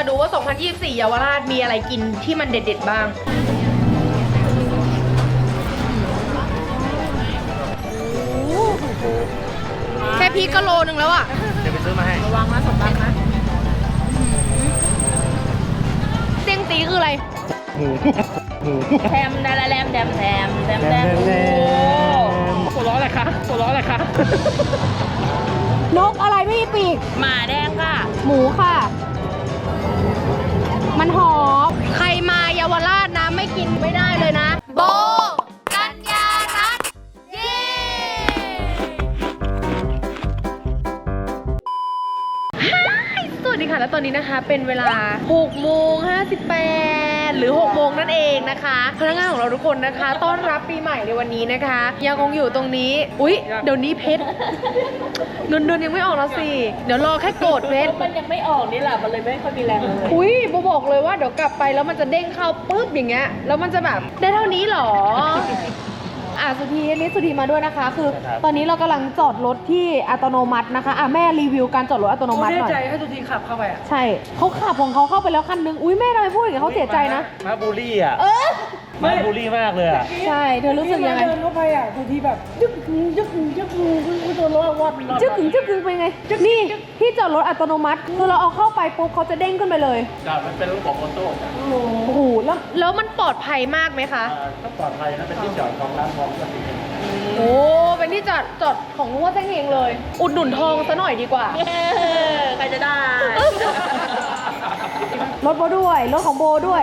ดูว่า 2024 เยาวราชมีอะไรกินที่มันเด็ดๆบ้างแค่พีก็โลนึงแล้วอ่ะเดี๋ยวไปซื้อมาให้ระวังนะสมบัตินะเสียงตีคืออะไรหมูแถมดาราแรมแถมหัวล้ออะไรคะหัวล้ออะไรคะนกอะไรไม่มีปีกหมาแดงค่ะหมูค่ะมันหอมใครมาเยาวราชนะไม่กินไม่ได้เลยนะโบกัญญารัตน์เย้สวัสดีค่ะและตอนนี้นะคะเป็นเวลา6:58หรือ6โมงนั่นเองนะคะพนักงานของเราทุกคนนะคะต้อนรับปีใหม่ในวันนี้นะคะยังคงอยู่ตรงนี้อุ๊ยเดี๋ยวนี้เพชรเงินเดือนยังไม่ออกแล้วสิเดี๋ยวรอแค่โกรธเพชรมันยังไม่ออกนี่แหละมันเลยไม่ค่อยมีแรงเลยอุ๊ยโบบอกเลยว่าเดี๋ยวกลับไปแล้วมันจะเด้งเข้าปุ๊บอย่างเงี้ยแล้วมันจะแบบได้เท่านี้หรอสุธีนี่สุธีมาด้วยนะคะคือตอนนี้เรากำลังจอดรถที่อัตโนมัตินะคะแม่รีวิวการจอดรถอัตโนมัติหน่อยแน่ใจให้สุธีขับเข้าไปอ่ะใช่เขาขับของเขาเข้าไปแล้วคันนึงอุ๊ยแม่ทำไมพูดอย่างนี้เขาเสียใจนะมาบูลลี่อ่ะมาบูลลี่มากเลยอ่ะใช่เธอรู้สึกยังไงเดินเข้าไปอ่ะสุธีแบบยึกคือโดนล้อวัดจึ๊กเป็นไงนี่ที่จอดรถอัตโนมัติคือเราเอาเข้าไปปุ๊บเขาจะเด้งขึ้นไปเลยจ้ามันเป็นระบบออโต้โอ้โหแล้วมันปลอดภัยมากไหมคะก็ปลอดภัยนะเป็นที่จอดของร้านทองก็ดีโอ้เป็นที่จอดของนุ่งว่าเส้นเองเลยอุดหนุนทองซะหน่อยดีกว่าใครจะได้รถโบด้วยรถของโบด้วย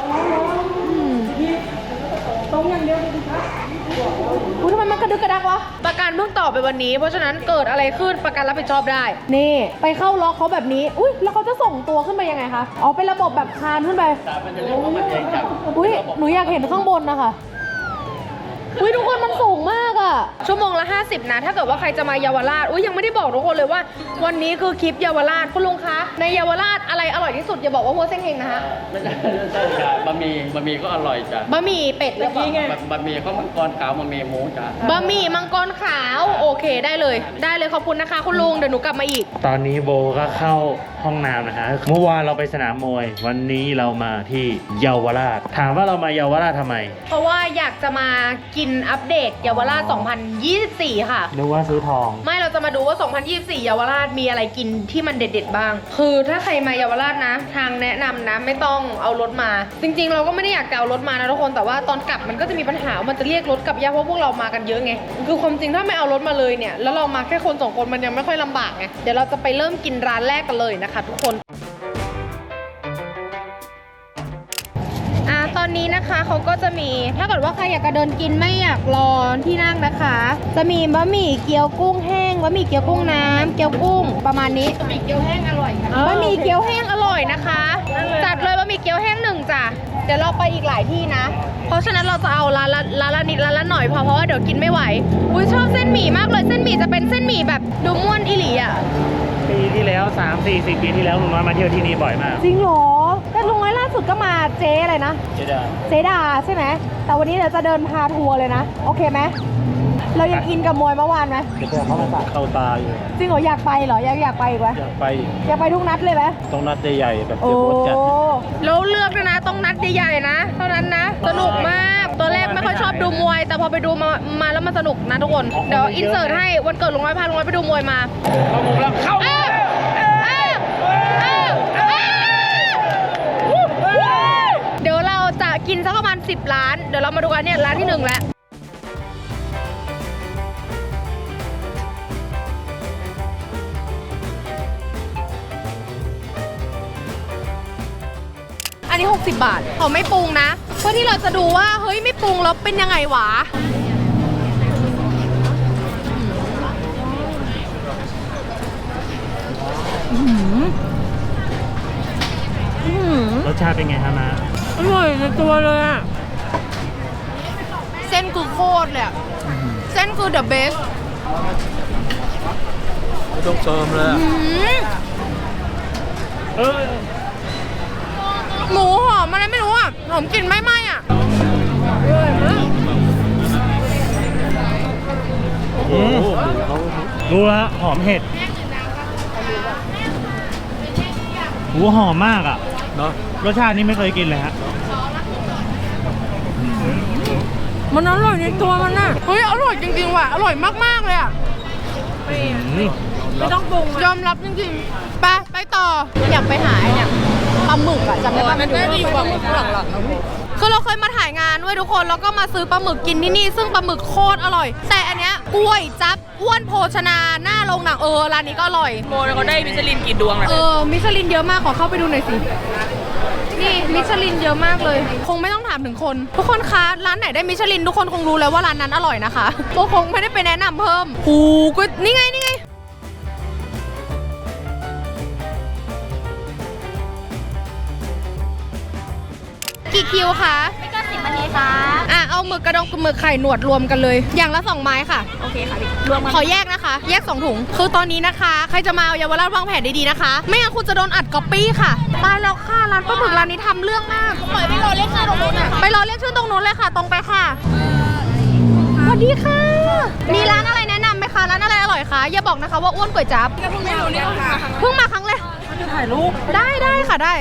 ตรงอย่างเดียวดูครับอุ้ยทำไมมันกระดึกกระดักวะประกันเพิ่งต่อไปวันนี้เพราะฉะนั้นเกิดอะไรขึ้นประกันรับผิดชอบได้นี่ไปเข้าล็อกเขาแบบนี้อุ้ยแล้วเขาจะส่งตัวขึ้นไปยังไงคะอ๋อเป็นระบบแบบคานขึ้นไปมันจะเรียกว่ามันเองจับอุ้ยหนูอยากเห็นข้างบนนะคะอุ้ยทุกคนมันสูงมากอะชั่วโมงละ50นะถ้าเกิดว่าใครจะมาเยาวราชอุ้ยยังไม่ได้บอกทุกคนเลยว่าวันนี้คือคลิปเยาวราชคุณลุงคะในเยาวราชอะไรอร่อยที่สุดอย่าบอกว่าหัวเส้นเฮงนะคะไม่ใช่จ้ะบะหมี่ก็อร่อยจ้ะบะหมี่เป็ดหรือเปล่าบะหมี่ข้าวมังกรขาวบะหมี่หมูจ้ะบะหมี่มังกรขาวโอเคได้เลยขอบคุณนะคะคุณลุงเดี๋ยวหนูกลับมาอีกตอนนี้โบก็เข้าห้องน้ำนะคะเมื่อวานเราไปสนามมวยวันนี้เรามาที่เยาวราชถามว่าเรามาเยาวราชทำไมเพราะว่าอยากจะมากินอัปเดตเยาวราช 2024 ค่ะนึกว่าซื้อทองไม่เราจะมาดูว่า 2024 เยาวราชมีอะไรกินที่มันเด็ดๆบ้างคือถ้าใครมาเยาวราชนะทางแนะนำนะไม่ต้องเอารถมาจริงๆเราก็ไม่ได้อยากจะเอารถมานะทุกคนแต่ว่าตอนกลับมันก็จะมีปัญหามันจะเรียกรถกลับยากเพราะพวกเรามากันเยอะไงคือความจริงถ้าไม่เอารถมาเลยเนี่ยแล้วเรามาแค่คน2คนมันยังไม่ค่อยลำบากไงเดี๋ยวเราจะไปเริ่มกินร้านแรกกันเลยนะคะทุกคนตอนนี้นะคะเขาก็จะมีถ้าเกิดว่าใครอยากจะเดินกินไม่อยากรอที่นั่งนะคะจะมีบะหมี่เกี๊ยวกุ้งแห้งบะหมี่เกี๊ยวกุ้งน้ำเกี๊ยวกุ้งประมาณนี้บะหมี่เกี๊ยวแห้งอร่อยค่ะบะหมี่เกี๊ยวแห้งอร่อยนะคะจัดเลยบะหมี่เกี๊ยวแห้ง1จ้ะเดี๋ยวเราไปอีกหลายที่นะเพราะฉะนั้นเราจะเอาร้านละนิดร้านละหน่อยเพราะว่าเดี๋ยวกินไม่ไหวอุ้ยชอบเส้นหมี่มากเลยเส้นหมี่จะเป็นเส้นหมี่แบบดูม่วนอิหลีอ่ะปีที่แล้ว3-4 ปีที่แล้วลุงน้อยมาเที่ยวที่นี่บ่อยมากจริงเหรอแต่ลุงน้อยล่าสุดก็มาเจ๊อะไรนะเจดาใช่ไหมแต่วันนี้เดี๋ยวจะเดินพาทัวร์เลยนะโอเคไหมเรายังอินกับมวยเมื่อวานไหมเดี๋ยวเขามาเข้าตาอยู่จริงเหรออยากไปเหรออยากไปอีกไหมอยากไปทุกนัดเลยไหมต้องนัดใหญ่ๆแบบเดี๋ยวโคตรจัดแล้วเลือกนะต้องนัดใหญ่ๆนะเท่านั้นนะสนุกมากตัวแรกไม่ค่อยชอบดูมวยแต่พอไปดูมาแล้วมันสนุกนะทุกคนเดี๋ยวอินเสิร์ตให้วันเกิดลุงน้อยพาลุงน้อยไปดูมวยมาเข้ามุมแล้วเข้าเดี๋ยวเราจะกินสักประมาณ10 ร้านเดี๋ยวเรามาดูกันเนี่ยร้านที่1แล้วอันนี้60 บาทเขาไม่ปรุงนะเพื่อที่เราจะดูว่าเฮ้ยไม่ปรุงแล้วเป็นยังไงวะรสชาติเป็นไงครับนะอร่อยในตัวเลยอะเส้นคือโคตรเลยอะเส้นคือ the best ไม่ต้องเติมเลยหมูหอมอะไรไม่รู้อ่ะหอมกลิ่นไหม้ๆอ่ะรู้แล้วหอมเห็ดหูหอมมากอ่ะเนาะรสชาตินี่ไม่เคยกินเลยฮะมันอร่อยในตัวมันน่ะเฮ้ยอร่อยจริงๆว่ะอร่อยมากๆเลยอ่ะไม่ต้องปรุงยอมรับจริงๆไปต่ออยากไปหาไอ้เนี่ยปลาหมึกอะจำได้ปะมันได้ดีกว่าหมึกหลังคือเราเคยมาถ่ายงานด้วยทุกคนแล้วก็มาซื้อปลาหมึกกินที่นี่ซึ่งปลาหมึกโคตรอร่อย แต่อันเนี้ยกล้วยจับอ้วนโภชนาหน้าโรงหนังร้านนี้ก็อร่อยโมเขาได้มิชลินกี่ดวงอะมิชลินเยอะมากขอเข้าไปดูหน่อยสินี่มิชลินเยอะมากเลย คงไม่ต้องถามถึงคนทุกคนคะร้านไหนได้มิชลินทุกคนคงรู้แล้วว่าร้านนั้นอร่อยนะคะโบคงไม่ได้ไปแนะนำเพิ่มหูก็นี่ไงกี่คิวคะไม่ก็10 นาทีค่ะเอาหมึกกระดองกับหมึกไข่หนวดรวมกันเลย อย่างละ2 ไม้ค่ะโอเคค่ะพี่รวมกันขอแยกนะคะ แยก2 ถุง คือตอนนี้นะคะ ใครจะมาเอาเยาวราชวางแผนดีๆนะคะ ไม่งั้นคุณจะโดนอัดก๊อปปี้ค่ะตายแล้วค่ะร้านปลาหมึกร้านนี้ทำเรื่องมากปล่อยไปรอเรียกชื่อตรงนู้นไปรอเรียกชื่อตรงนู้นเลยค่ะ ตรงไปค่ะสวัสดีค่ะ มีร้านอะไรแนะนำไหมคะร้านอะไรอร่อยคะอย่าบอกนะคะว่าอ้วนก๋วยจั๊บเพิ่งมาเนี่ยค่ะเพิ่งมาครั้งเลยจะถ่ายรูปได้ค่ะได้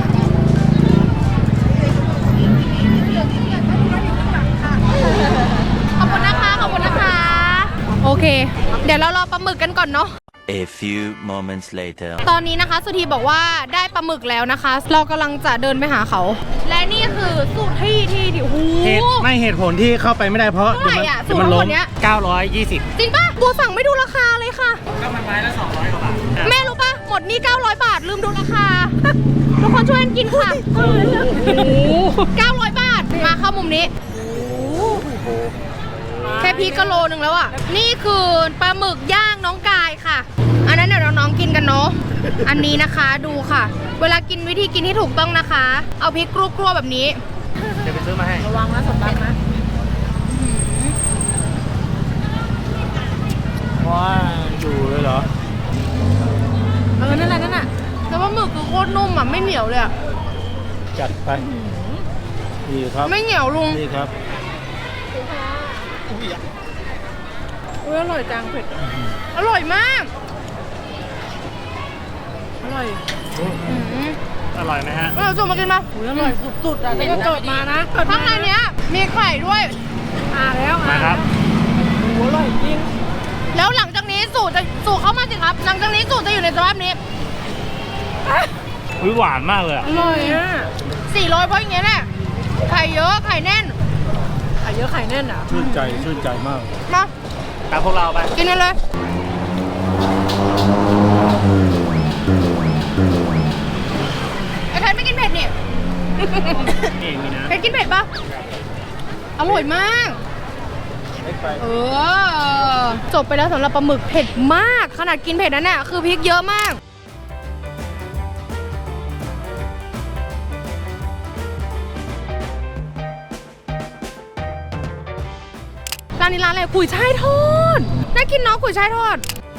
ขอบคุณนะคะ โอเค เดี๋ยวเรารอปลาหมึกกันก่อนเนาะ A few moments later. ตอนนี้นะคะสุธีบอกว่าได้ปลาหมึกแล้วนะคะ เรากำลังจะเดินไปหาเขา และนี่คือสูตรที่โอ้โหเหตุผลที่เข้าไปไม่ได้เพราะเท่าไหร่อะเดี๋ยวมันล้สูมตรเนี้ย 920 จริงปะบัวสั่งไม่ดูราคาเลยค่ะก็มันไม้ละ200กว่าบาทแม่รู้ปะหมดนี่900 บาทลืมดูราคา ทุกคนช่วยกันกินค่ะโอ้โห900 บาทมาเข้ามุมนี้แค่พริกก็โลนึงแล้วอ่ะนี่คือปลาหมึกย่างน้องกายค่ะ อันนั้นเดี๋ยวน้องๆกินกันเนาะอันนี้นะคะดูค่ะ เวลากินวิธีกินที่ถูกต้องนะคะ เอาพริกกรัวๆแบบนี้เดี๋ยวไปซื้อมาให้ระวังนะสมบัตินะว่าอยู่เลยเหรอนั่นแหละแต่ว่าหมึกคือโคตรนุ่มอ่ะไม่เหนียวเลยอ่ะจัดไปดีครับไม่เหนียวลุงดีครับอร่อยจังเผ็ดอร่อยมากอร่อยอร่อยไหมฮะเราจุ่มมากินมาอร่อยสุดๆอ่ะนี่ก็เกิดมานะข้างในเนี้ยมีไข่ด้วยแล้วมาครับโอ้อร่อยจริงแล้วหลังจากนี้สูตรเข้ามาสิครับ หลังจากนี้สูตรจะอยู่ในสภาพนี้หวานมากเลยอะอร่อยอ่ะ400เพราะอย่างเงี้ยแหละไข่เยอะไข่แน่นไข่เยอะไข่แน่นอ่ะชื่นใจมากมาตามพวกเราไปกินกันเลยไอ้แพทไม่กินเผ็ดนี่นี่มีนะเพชรกินเผ็ดปะอร่อยมาก จบไปแล้วสำหรับปลาหมึกเผ็ดมาก ขนาดกินเผ็ดนั้นน่ะคือพริกเยอะมาก ร้านนี้ร้านอะไรกุยช่ายทอด น่ากินเนาะกุยช่ายทอด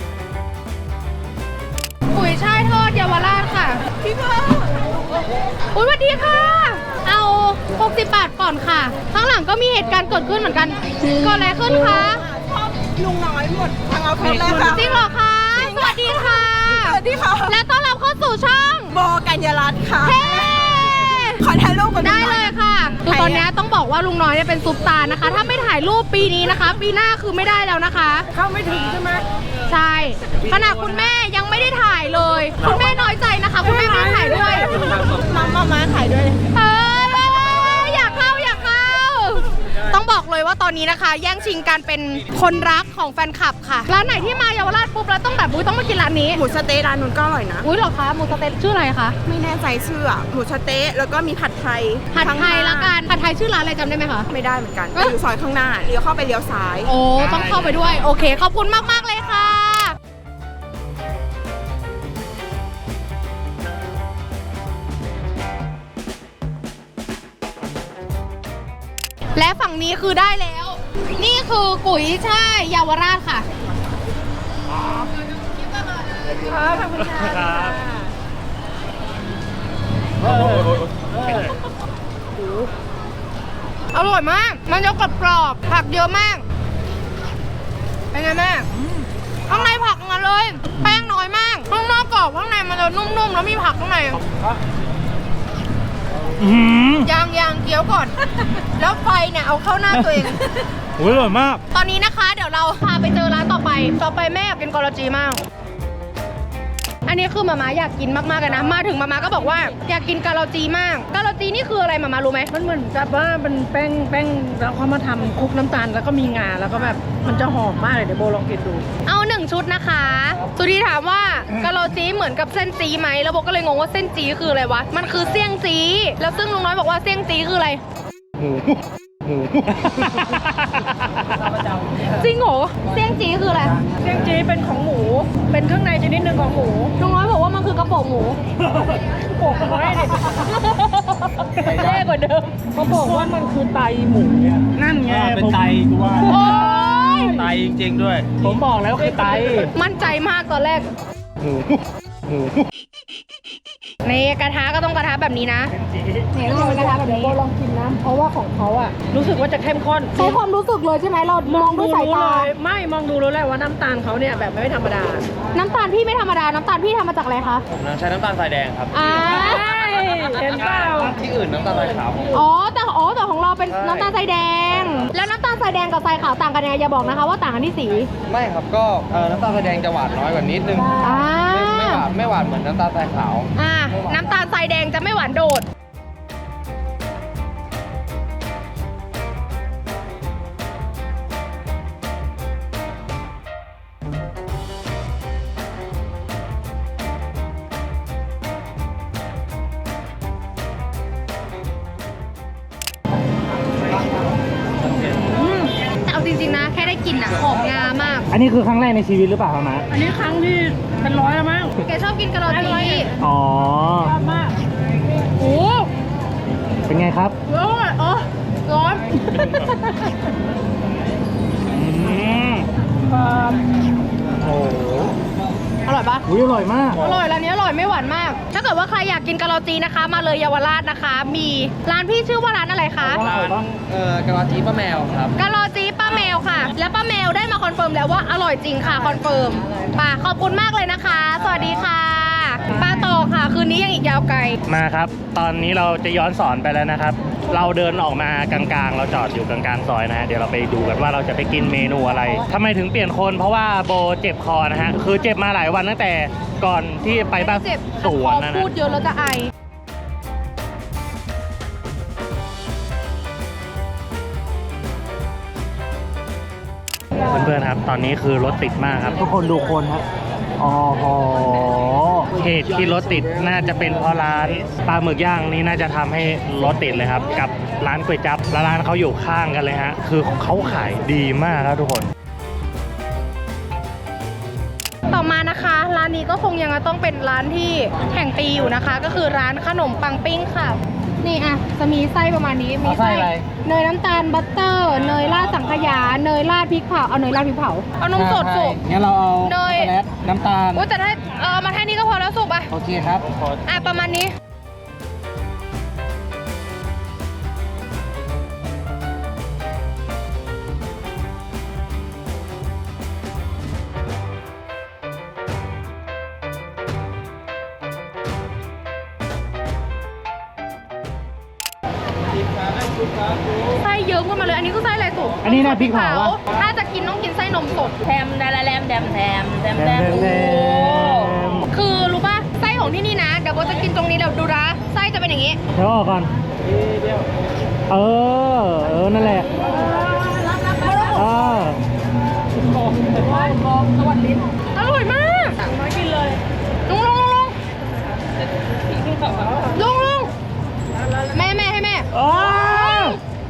กุยช่ายทอดเยาวราชค่ะ พี่พ่ออุ้ยสวัสดีค่ะ เอา60 บาทก่อนค่ะ ข้างหลังก็มีเหตุการณ์เกิดขึ้นเหมือนกันเกิดอะไรขึ้นคะลุงน้อยหมดทางเอาเพชรแล้วค่ะจริงเหรอคะ สวัสดีค่ะสวัสดีค่ะและต้อนรับเข้าสู่ช่องโบกัญญารัตน์ค่ะเฮ้ขอถ่ายรูปกันได้เลยค่ะคือตอนนี้ต้องบอกว่าลุงน้อยเนี่ยเป็นซุปตาร์นะคะ ถ้าไม่ถ่ายรูปปีนี้นะคะ ปีหน้าคือไม่ได้แล้วนะคะเข้าไม่ถึงใช่ไหมใช่ ขนาดคุณแม่ยังไม่ได้ถ่ายเลย คุณแม่น้อยใจนะคะ คุณแม่ไม่ได้ถ่ายด้วยมาถ่ายด้วยอยากเข้า ต้องบอกเลยว่าตอนนี้นะคะ แย่งชิงการเป็นคนรักของแฟนคลับค่ะ ร้านไหนที่มาเยาวราชปุ๊บแล้วต้องแบบต้องมากินร้านนี้หมูสะเต๊ะร้านนู้นก็อร่อยนะอุ้ยเหรอคะหมูสะเต๊ะชื่ออะไรคะไม่แน่ใจชื่ออะหมูสะเต๊ะแล้วก็มีผัดไทยผัดไทยละกันผัดไทยชื่อร้านอะไรจำได้ไหมคะไม่ได้เหมือนกันอยู่ซอยข้างหน้าเลี้ยวเข้าไปเลี้ยวซ้ายโอ้ต้องเข้าไปด้วย โอเค ขอบคุณมาก ๆ เลยค่ะ และฝั่งนี้คือได้แล้ว นี่คือกุ๋ยช่ายเยาวราชค่ะ อร่อยมาก มันจะกรอบๆผักเยอะมาก เป็นไงแม่ ข้างในผักงั้นเลย แป้งน้อยมาก ข้างนอกกรอบข้างในมันจะนุ่มๆ แล้วมีผักข้างในยังเคี้ยวก่อน แล้วไฟเนี่ยเอาเข้าหน้าตัวเองโอ้ยอร่อยมากตอนนี้นะคะเดี๋ยวเราพาไปเจอร้านต่อไปแม่อยากกินกอลจีมาก อันนี้คือมาม่าอยากกินมากๆเลยนะ มาถึงมาม่าก็บอกว่าอยากกินกาลาจีมากกาลาจีนี่คืออะไรมาม่ารู้ไหมมันเหมือนกับว่าเป็นแป้งแล้วเขามาทำคลุกน้ำตาลแล้วก็มีงาแล้วก็แบบมันจะหอมมากเลยเดี๋ยวโบลองกินดูเอา1 ชุดนะคะสุธีถามว่ากาลาจีเหมือนกับเส้นจีไหมแล้วโบก็เลยงงว่าเส้นจีคืออะไรวะมันคือเสี่ยงจีแล้วซึ่งลุงน้อยบอกว่าเสี่ยงจีคืออะไร จริงเหรอเสี่ยงจีคืออะไรเสี่ยงจีเป็นของหมู เป็นเครื่องในชนิดหนึ่งของหมูลุงน้อยบอกว่ามันคือกระโปรงหมูโปกเอาไว้ดิแย่กว่าเดิมเขาบอกว่ามันคือไตหมูนั่นไงเป็นไตกูว่าโอ๊ยไตจริงๆด้วย ผมบอกแล้วคือไตมั่นใจมากตอนแรกในกระทะก็ต้องกระทะแบบนี้นะเนี่ยต้องเป็นกระทะแบบนี้โบลองกินนะเพราะว่าของเขาอะรู้สึกว่าจะเข้มข้นใช้ความรู้สึกเลยใช่ไหมเรามองด้วยสายตาไม่มองดูรู้เลยว่าน้ำตาลเขาเนี่ยแบบไม่ธรรมดาน้ำตาลพี่ไม่ธรรมดา น้ำตาลพี่ทำมาจากอะไรคะผมใช้น้ำตาลทรายแดงครับอ่าเห็นเปล่าที่อื่นน้ำตาลทรายขาวอ๋อแต่ของเราเป็นน้ำตาลทรายแดง แล้วน้ำตาลทรายแดงกับทรายขาวต่างกันยังไงอย่าบอกนะคะว่าต่างกันที่สีไม่ครับก็น้ำตาลทรายแดงจะหวานน้อยกว่านิดนึงอ่าไม่หวานเหมือนน้ำตาลทรายขาวน้ำตาลทรายแดงจะไม่หวานโดด แต่เอาจริงๆนะ แค่ได้กลิ่นอะหอมงามากอันนี้คือครั้งแรกในชีวิตหรือเปล่าครับมาอันนี้ครั้งที่เป็นร้อยแล้วมั้งแกชอบกินกะหล่ำปีอ๋อชอบมากโอ้เป็นไงครับร้อนอ๋อร้อนโอ้โหอร่อยปะอุ๊ยอร่อยมากอร่อยร้านนี้อร่อยไม่หวานมาก ถ้าเกิดว่าใครอยากกินกะหล่ำจีนะคะ มาเลยเยาวราชนะคะ มีร้านพี่ชื่อว่าร้านอะไรคะร้านกะลาจีป้าแมวครับกะหล่ำจีป้าแมวค่ะ และป้าแมวได้มาคอนเฟิร์มแล้วว่าอร่อยจริงค่ะคอนเฟิร์มป่ะขอบคุณมากเลยนะคะ สวัสดีค่ะป้าต่อค่ะ คืนนี้ยังอีกยาวไกลมาครับ ตอนนี้เราจะย้อนสอนไปแล้วนะครับ เราเดินออกมากลางๆ เราจอดอยู่กลางๆซอยนะฮะ เดี๋ยวเราไปดูกันว่าเราจะไปกินเมนูอะไรทำไมถึงเปลี่ยนคน เพราะว่าโบเจ็บคอนะฮะ คือเจ็บมาหลายวันตั้งแต่ก่อนที่ไปบ้านเจ็บสวนพอนะพูดเยอะแล้วจะไอเพื่อนๆครับ ตอนนี้คือรถติดมากครับ ทุกคนดูคนครับอ๋อโหเหตุที่รถติดน่าจะเป็นเพราะร้านปลาหมึกย่างนี่น่าจะทำให้รถติดเลยครับ กับร้านก๋วยจั๊บแล้วร้านเขาอยู่ข้างกันเลยฮะ คือเขาขายดีมากครับทุกคนต่อมานะคะ ร้านนี้ก็คงยังต้องเป็นร้านที่แข่งปีอยู่นะคะ ก็คือร้านขนมปังปิ้งค่ะ นี่อ่ะจะมีไส้ประมาณนี้มีเอาไส้อะไรเนยน้ำตาลบัตเตอร์ เนยราดสังขยาเนยราดพริกเผาเอาเนยราดพริกเผาเอานมสดสุกงั้นเราเอาเนยช็อกโกแลตน้ำตาลโอ้แต่ถ้ามาแค่นี้ก็พอแล้วสุกอ่ะโอเคครับอ่ะประมาณนี้ ไส้เยิ้มขึ้นมาเลย อันนี้คือไส้อะไรสุกอันนี้น่ะพริกเผาอะถ้าจะกินต้องกินไส้นมสดแถมดาราแรมแดมแถมแดมแดมแดมคือรู้ป่ะ ไส้ของที่นี่นะ เดี๋ยวโบจะกินตรงนี้เดี๋ยวดูนะ ไส้จะเป็นอย่างนี้เดี๋ยวออกก่อนเออ นั่นแหละเอออร่อยมากมากินเลย ลงแม่ให้แม่เออ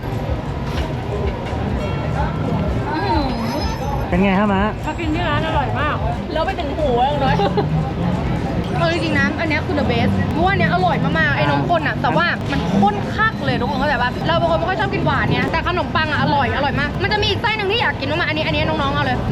เป็นไงฮะมะถ้ากินที่ร้านอร่อยมากแล้วไปถึงหูแล้วน้อยจริงๆนะอันเนี้ยคือ the best เพราะว่าอันเนี้ยอร่อยมากๆ ไอ้นมข้นอ่ะ แต่ว่ามันข้นคักเลยทุกคนเข้าใจป่ะ เราเป็นคนไม่ค่อยชอบกินหวานเนี่ยแต่ขนมปังอ่ะอร่อยมาก มันจะมีอีกไส้หนึ่งที่อยากกินมากๆอันนี้น้องๆเอาเลย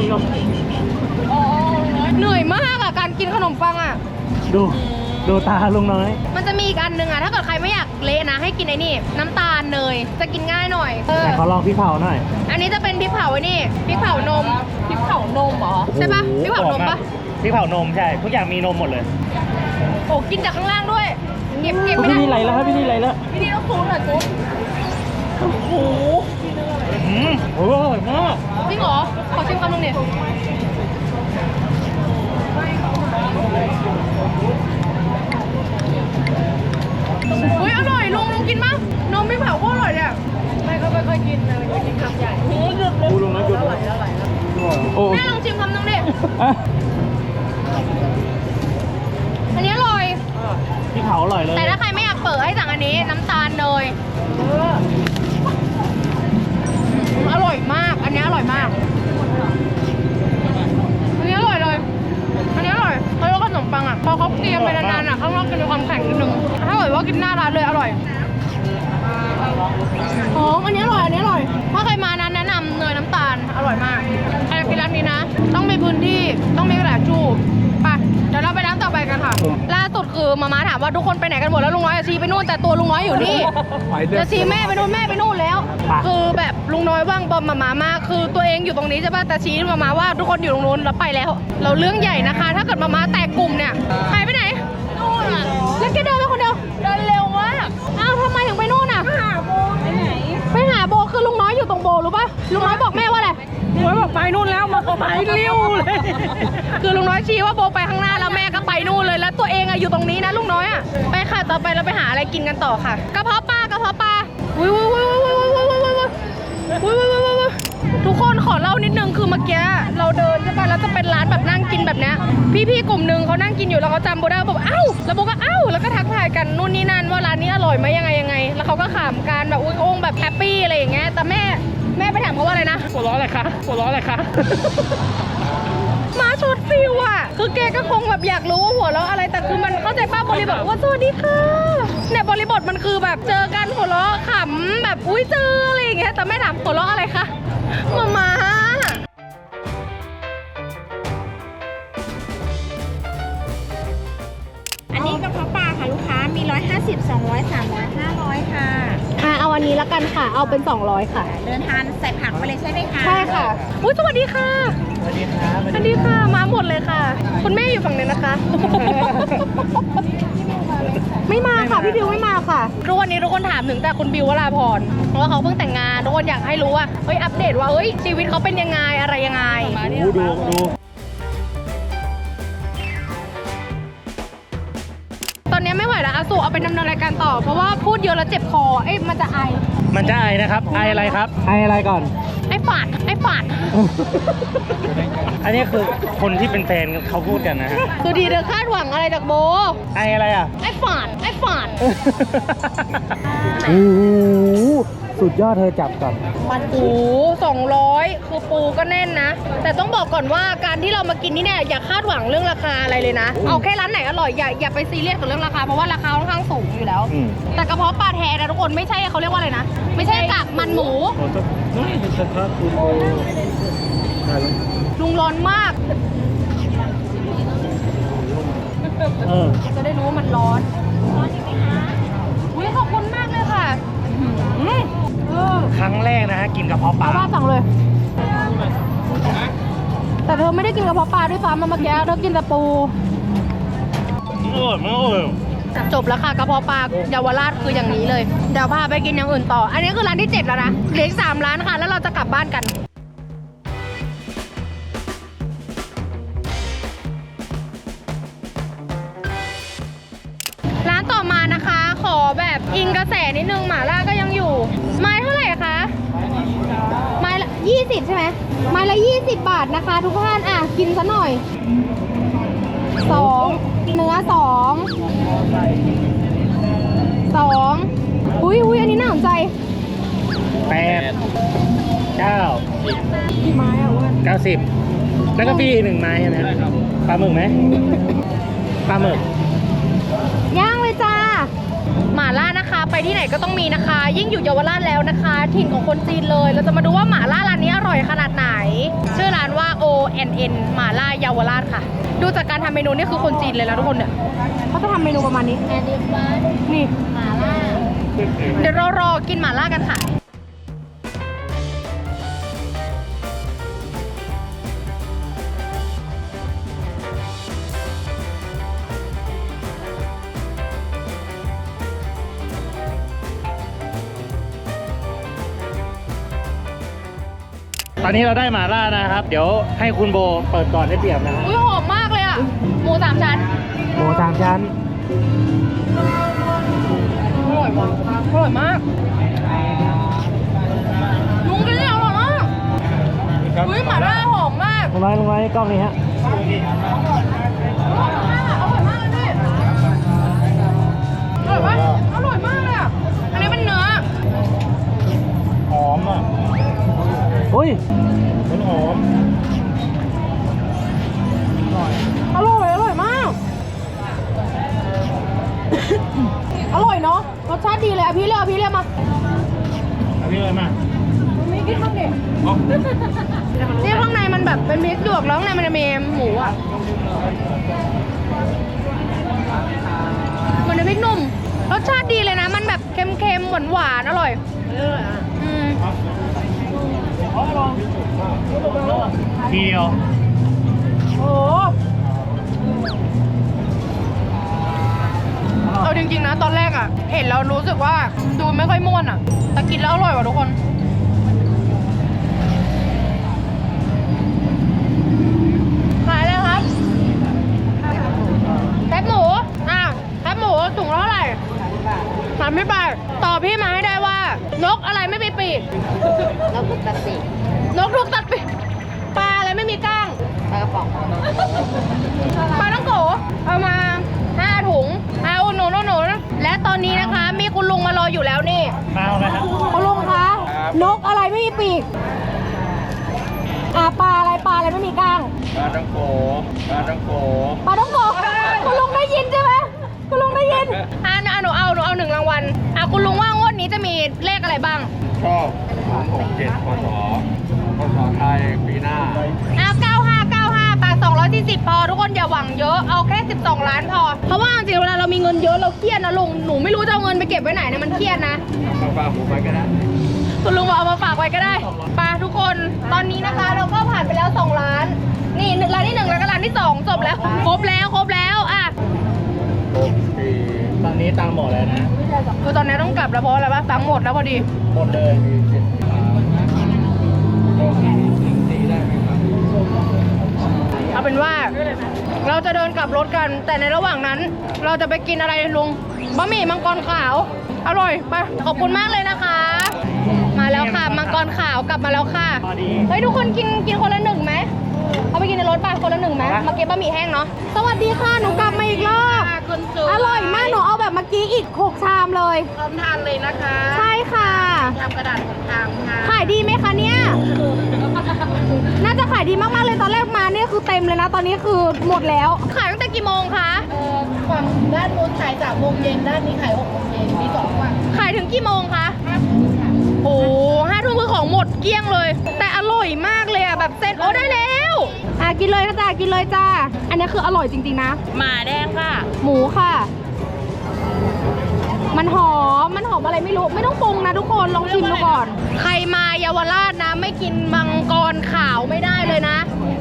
เหนื่อยมากอ่ะการกินขนมปังอ่ะดูตาลุงน้อยมันจะมีอีกอันหนึ่งอ่ะถ้าเกิดใครไม่อยากเละนะให้กินไอ้นี่น้ำตาลเนยจะกินง่ายหน่อยไหนขอลองพริกเผาหน่อยอันนี้จะเป็นพริกเผาไอ้นี่พริกเผานมพริกเผานมเหรอใช่ปะพริกเผานมปะพริกเผานมใช่ ทุกอย่างมีนมหมดเลยโอ้กินจากข้างล่างด้วยเก็บไม่ได้มีไหลแล้วครับพี่นี่ไหลแล้วพี่ดีต้องซูมหน่อยซูมโอ้โหโอ้อร่อยมากจริงเหรอ ขอชิมคำนึงเนี่ยอุ้ยอร่อยลุงกินมั้ยนมไม่เผาก็อร่อยเนี่ยไม่ก็ไม่ค่อยกินนะกินคำใหญ่ดูลงนะหยุดเลยโอ้แม่ลองชิมคำนึงดิอันนี้อร่อยพี่เผาอร่อยเลยแต่ถ้าใครไม่อยากเปิดให้สั่งอันนี้น้ำตาลเนยอร่อยมาก อันนี้อร่อยมาก อันนี้อร่อยเลย อันนี้อร่อยแล้วก็ขนมปังอ่ะ พอเขาเตรียมไปนานๆอ่ะ ข้างนอกจะมีความแข็งนิดนึง ถ้าเกิดว่ากินหน้าร้านเลยอร่อยหอมอันนี้อร่อย อันนี้อร่อย ถ้าใครมานั้นแนะนำเนยน้ำตาล อร่อยมากใครกินร้านนี้นะ ต้องมีพื้นที่ ต้องมีกระดาษชูไปเดี๋ยวเราไปร้านต่อไปกันค่ะ ล่าสุดคือมาม่าถามว่าทุกคนไปไหนกันหมดแล้วลุงน้อยจะชี้ไปนู่นแต่ตัวลุงน้อยอยู่นี่ จะชี้แม่ไปนู่นแม่ไปนู่นแล้ว คือแบบลุงน้อยว่างบอมมาม่ามากคือตัวเองอยู่ตรงนี้ใช่ป่ะแต่ชี้มาม่าว่าทุกคนอยู่ตรงนู้นแล้วไปแล้ว เราเรื่องใหญ่นะคะ ถ้าเกิดมาม่าแตกกลุ่มเนี่ยใครไปไหนนู่นอ่ะแล้วแกเดินไปคนเดียวเดินเร็วมากอ้าวทำไมถึงไปนู่นอ่ะไปหาโบไปหาโบคือลุงน้อยอยู่ตรงโบรู้ป่ะลุงน้อยบอกแม่ว่าอะไรหัวบอกไปนู่นแล้วมาไปเลี้ยวเลยคือลุงน้อยชี้ว่าโบไปข้างหน้าแล้วแม่ก็ไปนู่นเลยแล้วตัวเองอะอยู่ตรงนี้นะลุงน้อยอะไปค่ะต่อไปเราไปหาอะไรกินกันต่อค่ะกระเพาะปลวุ้ยทุกคนขอเล่านิดนึงคือเมื่อกี้เราเดินใช่ป่ะแล้วจะเป็นร้านแบบนั่งกินแบบเนี้ยพี่ๆกลุ่มนึงเขานั่งกินอยู่แล้วเขาจำโบได้บอกเอ้าแล้วโบก็เอ้าแล้วก็ทักทายกันนู่นนี่นั่นว่าร้านนี้อร่อยไหมยังไงแล้วเขาก็ขำกันแบบอุ้ยโอ่งแบบแฮปปี้อะไรอย่างเงี้ยแต่แม่ไปถามเขาว่าอะไรนะหัวเราะอะไรคะหัวเราะอะไรคะมาชดฟิวอ่ะ คือแกก็คงแบบอยากรู้ว่าหัวเราะอะไร แต่คือมันเข้าใจป้าบริบทว่าสวัสดีค่ะเนี่ยบริบทมันคือแบบเจอกันหัวเราะขำแบบอุ้ยเจออะไรอย่างเงี้ย แต่ไม่ถามหัวเราะอะไรคะมาอันนี้กระเพาะปลาค่ะลูกค้ามี 150 200 300 500 ค่ะค่ะเอาอันนี้ละกันค่ะ เอาเป็น200ค่ะเดินทานใส่ผักไปเลยใช่ไหมคะใช่ค่ะอุ้ยสวัสดีค่ะสวัสดีครับสวัสดีค่ะ มาหมดเลยค่ะ คุณแม่อยู่ฝั่งนี้นะคะ ไม่มาค่ะ พี่บิวไม่มาค่ะทุกวันนี้ทุกคนถามถึงแต่คุณบิววราพรเพราะว่าเขาเพิ่งแต่งงานทุกคนอยากให้รู้ว่าเฮ้ยอัปเดตว่าเฮ้ยชีวิตเขาเป็นยังไงอะไรยังไงดูตอนนี้ไม่ไหวแล้วอาสุเอาไปดำเนินรายการต่อ เพราะว่าพูดเยอะแล้วเจ็บคอเอ้ยมันจะไอมันจะไอนะครับ ไออะไรครับ ไออะไรก่อนไอฝาดอันนี้คือคนที่เป็นแฟนเขาพูดกันนะฮะคือดีเธอคาดหวังอะไรจากโบไออะไรอ่ะไอฝาดโอ้โหสุดยอดเธอจับก่อนปู200 คือปูก็แน่นนะ แต่ต้องบอกก่อนว่าการที่เรามากินนี่เนี่ยอย่าคาดหวังเรื่องราคาอะไรเลยนะ เอาแค่ร้านไหนอร่อยอย่าไปซีเรียสกับเรื่องราคาเพราะว่าราคาค่อนข้างสูงอยู่แล้วอืมแต่กระเพาะปลาแท้นะทุกคนไม่ใช่เขาเรียกว่าอะไรนะ ไม่ใช่กากมันหมู ลุงร้อนมาก จะได้รู้ว่ามันร้อนอุ้ยขอบคุณมากเลยค่ะครั้งแรกนะฮะกินกระเพาะปลาเอาว่าสั่งเลย แต่เธอไม่ได้กินกระเพาะปลาด้วยซ้ำเมื่อกี้เธอกินแต่ปู จบแล้วค่ะกระเพาะปลาเยาวราชคืออย่างนี้เลย เดี๋ยวพาไปกินอย่างอื่นต่อ อันนี้คือร้านที่ 7 แล้วนะเหลืออีก3 ร้านค่ะ แล้วเราจะกลับบ้านกัน ร้านต่อมานะคะ ขอแบบอิงกระแสนิดนึงหม่าล่าก็ยังอยู่ ไม้เท่าไหร่คะ ไม้ละ20 ใช่ไหม ไม้ละ20 บาทนะคะ ทุกท่านอ่ะกินซะหน่อย 2 เนื้อ 2 อุ้ยอันนี้น่าสนใจ 8 9 กี่ไม้อ่ะอ้วน 90 แล้วก็ฟรีอีก1 ไม้ใช่ไหมครับปลาหมึกไหมปลาหมึกย่างเลยจ้า หม่าล่านะคะ ไปที่ไหนก็ต้องมีนะคะ ยิ่งอยู่เยาวราชแล้วนะคะ ถิ่นของคนจีนเลย เราจะมาดูว่าหม่าล่าร้านนี้อร่อยขนาดไหน ชื่อร้านว่า ONN หม่าล่าเยาวราชค่ะ ดูจากการทำเมนูนี่คือคนจีนเลยแล้วทุกคนเนี่ยเขาจะทำเมนูประมาณนี้นี่หม่าล่า เดี๋ยวเรารอกินหม่าล่ากันค่ะตอนนี้เราได้หม่าล่านะครับ เดี๋ยวให้คุณโบเปิดก่อนได้เปรียบนะฮะอุ้ยหอมมากเลยอ่ะ หมู3 ชั้นหมู3 ชั้นอร่อยมากอร่อยมากลุงกินเนี่ยอร่อยมากอุ้ยหม่าล่าหอมมากลงไว้กล้องนี้ฮะอร่อยมากอร่อยมากเลยอร่อยปะอร่อยมากเลยอ่ะ อันนี้เป็นเนื้อหอมอ่ะอุ้ยมันหอมอร่อยมาก อร่อยเนาะ รสชาติดีเลยอ่ะพี่เรียกมาเอาพี่เลยมามีกิ๊กข้างในนี่ข้างในมันแบบเป็นพริกหยวกแล้วข้างในมันจะมีหมูอ่ะ มันเป็นพริกหนุ่ม รสชาติดีเลยนะ มันแบบเค็มๆหวานๆอร่อยอืมทีเดียวโอ้เอาจริงๆนะตอนแรกอ่ะ เห็นแล้วรู้สึกว่าดูไม่ค่อยม่วนอ่ะ แต่กินแล้วอร่อยว่ะทุกคน ขายเลยครับแคบหมูแคบหมูถุงละเท่าไหร่30 บาทต่อพี่มาให้ได้ว่า นกอะไรไม่มีปีก นกถูกตัดปีก ปลาอะไรไม่มีก้าง ปลากระป๋อง ปลาต้องโกเอามา5 ถุงเอาหนูและตอนนี้นะคะ มีคุณลุงมารออยู่แล้วนี่มาเอาเลยครับคุณลุงคะ นกอะไรไม่มีปีกปลาอะไรไม่มีก้างปลาต้องโกปลาต้องโกคุณลุงได้ยินใช่ไหมคุณลุงได้ยินหนูเอา1 รางวัลคุณลุงว่างวดนี้จะมีเลขอะไรบ้างชอบ067พศไทยปีหน้า 9595ปาก240พอทุกคนอย่าหวังเยอะเอาแค่12 ล้านพอเพราะว่าจริงๆเวลาเรามีเงินเยอะเราเครียดนะลุงหนูไม่รู้จะเอาเงินไปเก็บไว้ไหนนะมันเครียดนะปลาหมูไปก็ได้คุณลุงบอกเอามาฝากไว้ก็ได้ไปทุกคนตอนนี้นะคะเราก็ผ่านไปแล้ว2 ล้าน นี่ร้านที่1แล้วก็ร้านที่2จบแล้วครบแล้วอ่ะตอนนี้ตังค์หมดแล้วนะคือตอนนี้ต้องกลับแล้วเพราะอะไรปะตังค์หมดแล้วพอดีหมดเลยเอาเป็นว่าเราจะเดินกลับรถกัน แต่ในระหว่างนั้น เราจะไปกินอะไรลุงบะหมี่มังกรขาว อร่อยไปขอบคุณมากเลยนะคะ มาแล้วค่ะมังกรขาวกลับมาแล้วค่ะพอดีเฮ้ยทุกคนกินคนละ1ไหมเอาไปกินในรถป่ะคนละ1ไหมมาเก็บบะหมี่แห้งเนาะสวัสดีค่ะหนูกลับมาอีกรอบอร่อยมากหนูเอาแบบเมื่อกี้อีก6 ชามเลยพร้อมทานเลยนะคะใช่ค่ะทำกระดาษของทางค่ะขายดีไหมคะเนี่ย น่าจะขายดีมากๆเลยตอนแรกมาเนี่ยคือเต็มเลยนะ ตอนนี้คือหมดแล้ว ขายตั้งแต่กี่โมงคะฝั่งด้านนู้นขาย3 โมงเย็นด้านนี้ขาย6 โมงเย็นมี2 วันขายถึงกี่โมงคะโอ้5 ทุ่มคือของหมดเกลี้ยงเลย แต่อร่อยมากเลยอ่ะแบบเซ็ตโอ้ได้แล้วกินเลยจ้ากินเลยจ้า อันนี้คืออร่อยจริงๆนะหมาแดงค่ะหมูค่ะ มันหอมอะไรไม่รู้ ไม่ต้องปรุงนะทุกคนลองชิมดูก่อน ใครมาเยาวราชนะ ไม่กินมังกรขาวไม่ได้เลยนะ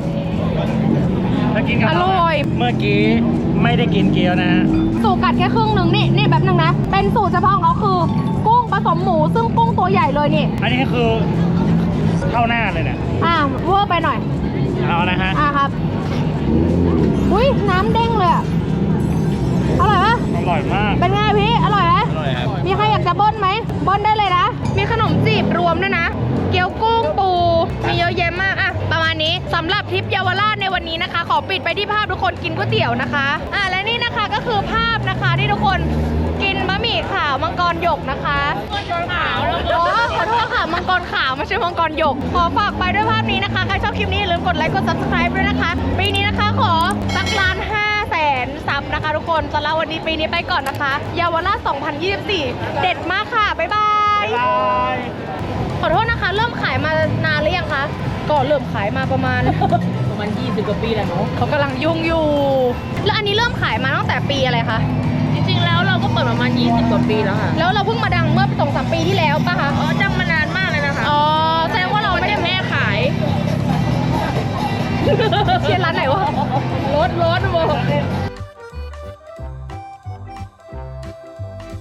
แล้วกินกับอร่อยเมื่อกี้ไม่ได้กินเกี๊ยวนะฮะสูตรกัดแค่ครึ่งหนึ่งนี่แบบหนึ่งนะ เป็นสูตรเฉพาะของเขาคือ กุ้งผสมหมูซึ่งกุ้งตัวใหญ่เลยนี่อันนี้คือเข้าหน้าเลยเนี่ยเวอร์ไปหน่อยเอานะฮะครับอุ้ยน้ำเด้งเลยอะอร่อยปะอร่อยมากเป็นไงพี่ อร่อยไหมอร่อยครับมีใครอยากจะเบิ้ลไหมเบิ้ลได้เลยนะ มีขนมจีบรวมด้วยนะ เกี๊ยวกุ้งปู มีเยอะแยะมากอะประมาณนี้สำหรับทริปเยาวราชในวันนี้นะคะ ขอปิดไปที่ภาพทุกคนกินก๋วยเตี๋ยวนะคะ และนี่นะคะก็คือภาพนะคะที่ทุกคนกินบะหมี่ขาวมังกรหยกนะคะมังกรขาวขอโทษค่ะมังกรขาวไม่ใช่มังกรหยก ขอฝากไปด้วยภาพนี้นะคะ ใครชอบคลิปนี้อย่าลืมกดไลค์กด subscribe ด้วยนะคะ ปีนี้นะคะขอสัก1,500,000 ซับนะคะทุกคนสำหรับวันนี้ปีนี้ไปก่อนนะคะเยาวราช 2024 เด็ดมากค่ะ บ๊ายบายบ๊ายบายขอโทษนะคะ เริ่มขายมานานหรือยังคะ ก็เริ่มขายมาประมาณ 20 กว่าปีแล้วเนาะเขากำลังยุ่งอยู่ แล้วอันนี้เริ่มขายมาตั้งแต่ปีอะไรคะจริงๆแล้วเราก็เปิดประมาณ20 กว่าปีแล้วค่ะแล้วเราเพิ่งมาดังเมื่อ 2-3 ปีที่แล้วป่ะคะจังมานานมากเลยนะคะอ๋อ แสดงว่าเราไม่ได้แม่ขายเชียร์ร้านไหนวะรถโว้